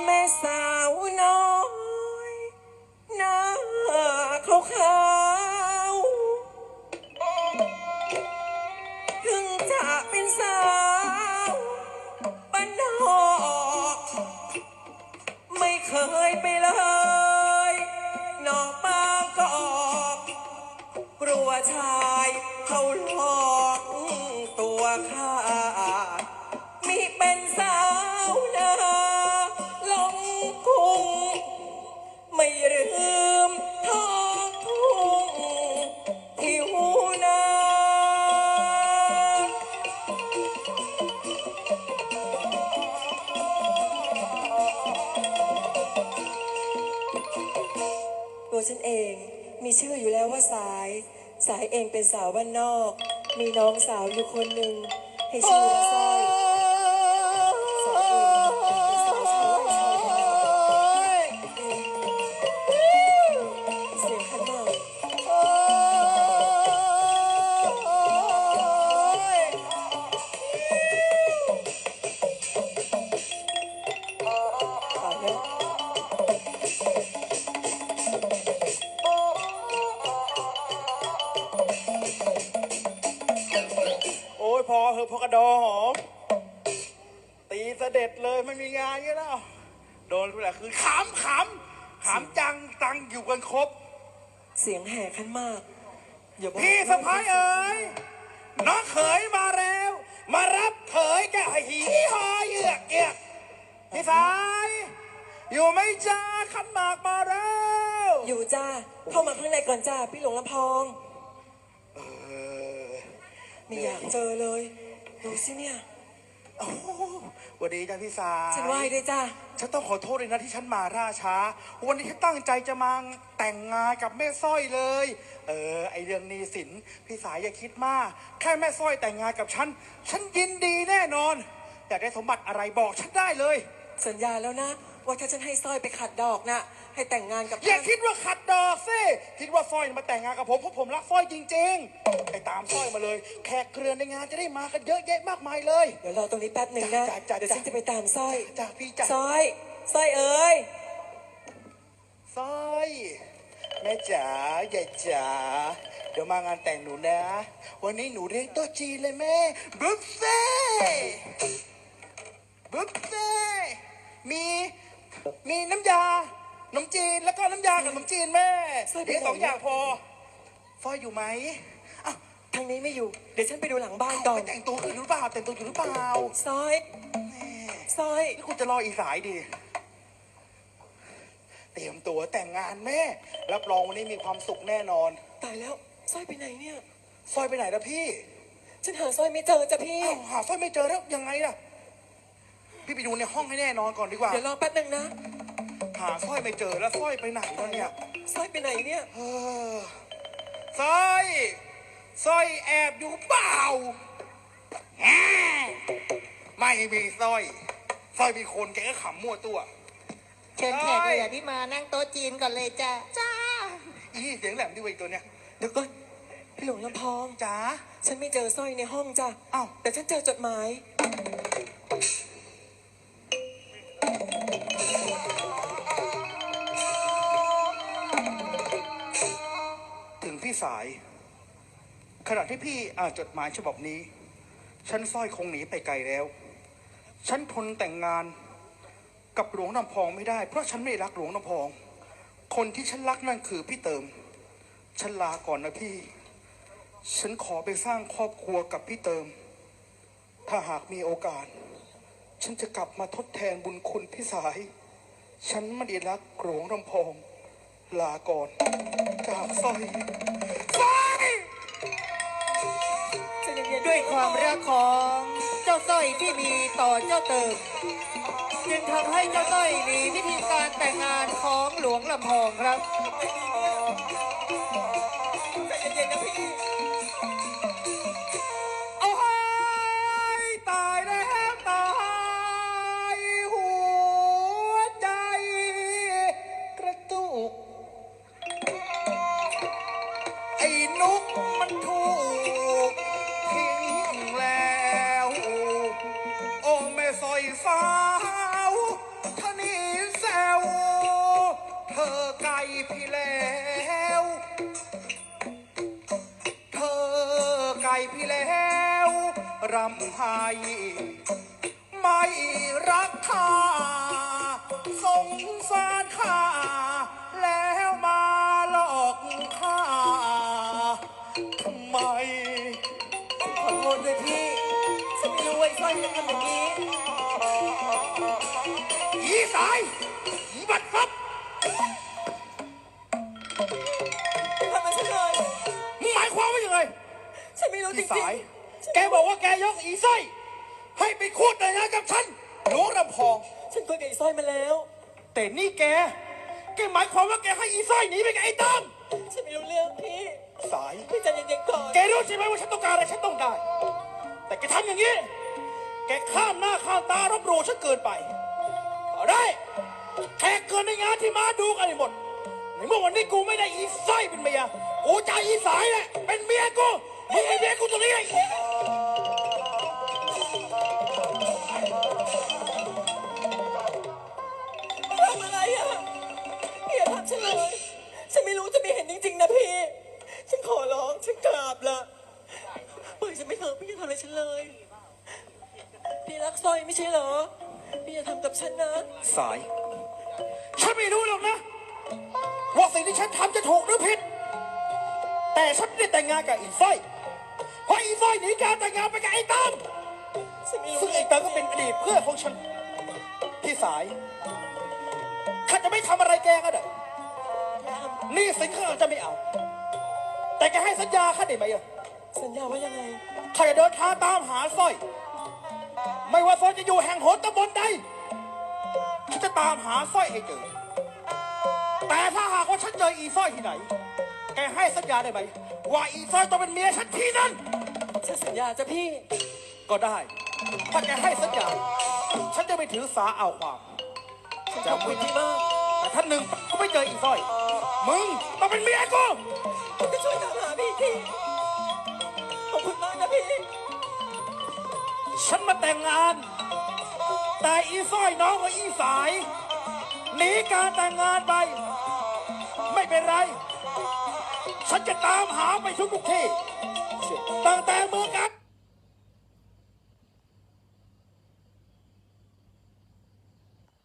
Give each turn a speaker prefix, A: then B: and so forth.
A: แม่สาวน้อยหน้าขาวๆถึงจะเป็นสาวบ้านนอกไม่เคยไปเลยนอกบางกอกกลัวชายเขาหลอกตัวข้ามิเป็นสาวนาลงกุ้งไม่ลืมท้องทุ่งที่หูนาตัวฉันเองมีชื่ออยู่แล้วว่าสายเองเป็นสาวบ้านนอกมีน้องสาวอยู่คนหนึ่งให้ชื่อว่าสร้อยสายเองเป็นสาวชาวไร่ชาวนาเสียงขันหมากตายแล้ว
B: โอ้ยพอเหอะพอกระดอหอมตีเสด็จเลยไม่มีงานเงี้ยแล้วโดนทุกอย่างคือขำจังตังอยู่กันครบ
A: เสียงแห่ขันหมากอย่าบอก
B: พี่สะพ้ายเอ๋ยน้องเขยมาแล้ว มารับเขยแกหีหอเยือกเกียกพี่สายอยู่ไหม่จ้าขันหมากมาแล้ว
A: อยู่จ้าเข้ามาข้างในก่อนจ้าพี่หลวงลำพองไม่อยากเจอเลยดูสิเนี่ย
B: โอ้โหสวัสดีจ้าพี่สาย
A: ฉันไหว้ด้วยจ้า
B: ฉันต้องขอโทษเลยนะที่ฉันมาล่าช้าวันนี้ฉันตั้งใจจะมาแต่งงานกับแม่สร้อยเลยไอเรื่องหนี้สินพี่สายอย่าคิดมากแค่แม่สร้อยแต่งงานกับฉันยินดีแน่นอนอยากได้สมบัติอะไรบอกฉันได้เลย
A: สัญญาแล้วนะว่าถ้าฉันให้สร้อยไปขัดดอกนะให้แต่งงานกับ
B: อย่า
A: ท่าน
B: คิดว่าขัดดอกสิคิดว่าสร้อยมาแต่งงานกับผมเพราะผมรักสร้อยจริงๆไปตามสร้อยมาเลยแขกเครือในงานจะได้มากันเยอะแยะมากมายเลย
A: เดี๋ยวรอตรงนี้แป๊บหนึ่งนะ
B: จ้ะ
A: เดี๋ยวฉันจะไปตามสร้อย
B: จ้าพี่จ้า
A: สร้อยเอ้ย
B: สร้อยแม่จ๋าใหญ่จ๋าเดี๋ยวมางานแต่งหนูนะ วันนี้หนูเลี้ยงโต๊ะจีนเลยแม่บุฟเฟ่มีน้ำยาขนมจีนแล้วก็น้ำยากับขนมจีนแม่เลี้ยง2 อย่างพอสร้อยอยู่ไหมอ้าว
A: ทางนี้ไม่อยู่เดี๋ยวฉันไปดูหลังบ้านก่อน
B: ไปแต่งตัวอยู่หรือเปล่าแต่งตัวอยู่หรือเปล่า
A: สร้อย
B: นี่คุณจะรออีกสายดิเตรียมตัวแต่งงานแม่รับรองวันนี้มีความสุขแน่นอน
A: ตายแล้วสร้อยไปไหนเนี่ย
B: สร้อยไปไหนแล้วพี่
A: ฉันหาสร้อยไม่เจอจ้ะพี่
B: อ้าวหาสร้อยไม่เจอแล้วยังไงล่ะพี่ไปดูในห้องให้แน่นอนก่อนดีกว่า
A: เดี๋ยวรอแป๊บหนึงนะ
B: หาสร้อยไม่เจอแล้วสร้อยไปไหนแล้วเนี่ย
A: สร้อยไปไหนเนี่ย
B: เออสร้อยแอบอยู่เปล่าแหมไม่มีสร้อยมีคนแกก็ขำมั่วตัว
C: เชิญแขกเหลือที่มานั่งโต๊ะจีนก่อนเลยจ้ะ
B: จ้าอีเสียงแหลมดิวะอีตัวเนี้ย
A: เดี๋ยวก่อนพี่หลวงลำพอง
B: จ้า
A: ฉันไม่เจอสร้อยในห้องจ้ะ
B: อ้าว
A: แต่ฉันเจอจดหมาย
B: ถึงพี่สาย ขณะที่พี่อ่านจดหมายฉบับนี้ ฉันสร้อยคงหนีไปไกลแล้ว ฉันทนแต่งงานกับหลวงน้ำพองไม่ได้ เพราะฉันไม่รักหลวงน้ำพอง คนที่ฉันรักนั่นคือพี่เติม ฉันลาก่อนนะพี่ ฉันขอไปสร้างครอบครัวกับพี่เติม ถ้าหากมีโอกาส ฉันจะกลับมาทดแทนบุญคุณพี่สาย ฉันไม่ได้รักหลวงน้ำพอง ลาก่อนจากสร้อย
A: จะเย็นๆ
C: ด้วยความรักของเจ้าสร้อยที่มีต่อเจ้าเติมจึงทำให้เจ้าสร้อยมีวิธีการแต่งงานของหลวงลำพองครับ
A: ใจเย็นๆนะพี่
B: โอ้ยตายแล้วตายหัวใจกระตุกไอ้นุกมันถูกทิ้งแล้วโอ้แม่สอยสาวท่านี้รำไห้ไม่รักข้าสงสารข้าแล้วมาหลอกข้าทำไม
A: ขอโทษด้วยพี่ ฉันไม่รู้ว่าไอ้สร้อยมันทำอย่างนี้
B: อีสายอีบัดฟับ
A: ทำไมฉันเลย
B: มึงหมายความว่ายังไง
A: ฉันไม่รู้จ
B: อี
A: ริง
B: สาย
A: ๆ
B: แกบอกว่าแกยกอีสร้อยให้ไปคูดแต่งงานกับฉันหลวงรำพอง
A: ฉันคุยกับไอ้สร้อยมาแล้ว
B: แต่นี่แกหมายความว่าแกให้อีสร้อยหนีไปกับไอ้ตั้ม
A: ฉันไม่รู้เรื่องพี่
B: สาย
A: พี่ใจเย็นๆก่อน
B: แกรู้ใช่ไหมว่าฉันต้องการอะไรฉันต้องได้ แต่แกทำอย่างนี้ แกข้ามหน้าข้ามตารบหลู่ฉันเกินไปเอาได้แขกเกินในงานที่มาดูกันให้หมดในเมื่อวันนี้กูไม่ได้อีสร้อยเป็นเมียกูจะเอาอีสายแหละเป็นเมียกูมึงเป็นเมียกูตรงนี้ไง
A: ทำอะไรอ่ะพี่อย่าทำฉันเลย ฉันไม่รู้จะไม่เห็นจริงๆนะพี่ ฉันขอร้อง ฉันกราบละปล่อยฉันไม่เถอะพี่อย่าทำอะไรฉันเลย พี่รักสร้อยไม่ใช่เหรอ พี่อย่าทำกับฉันนะ
B: สาย ฉันไม่รู้หรอกนะว่าสิ่งที่ฉันทำจะถูกหรือผิด แต่ฉันไม่ได้แต่งงานกับอีสร้อยเพราะอีสร้อยหนีการแต่งงานไปกับไอ้ตั้ม
A: ฉันไม่รู้
B: ซึ่งไอ้ตั้มก็เป็นอดีตเพื่อนของฉันพี่สายข้าจะไม่ทำอะไรแกก็ได้หนี่สินข้าอาจจะไม่เอา แต่แกให้สัญญาข้าได้ไหมอะ
A: สัญญาว่ายังไง
B: ข้าจะเดินทางตามหาสร้อย ไม่ว่าสร้อยจะอยู่แห่งหนตำบลใดฉันจะตามหาสร้อยให้เจอ แต่ถ้าหากว่าฉันเจออีสร้อยที่ไหน แกให้สัญญาได้ไหมว่าอีสร้อยต้องเป็นเมียฉันที่นั่น
A: ฉันสัญญาจ้ะพี่
B: ก็ได้ ถ้าแกให้สัญญา ฉันจะไม่ถือสาเอาความ
A: ฉันขอบคุณพี่มาก
B: แต่ท่านหนึ่งก็ไม่เจออีสร้อย มึงต้องเป็นเมียกู
A: ผมจะช่วยตามหาพี่ทีขอบคุณมากนะพี่
B: ฉันมาแต่งงาน แต่อีสร้อยน้องกับอีสายหนีการแต่งงานไป ไม่เป็นไร ฉันจะตามหาไปทุกที่ตั้งแต่เมืองกัน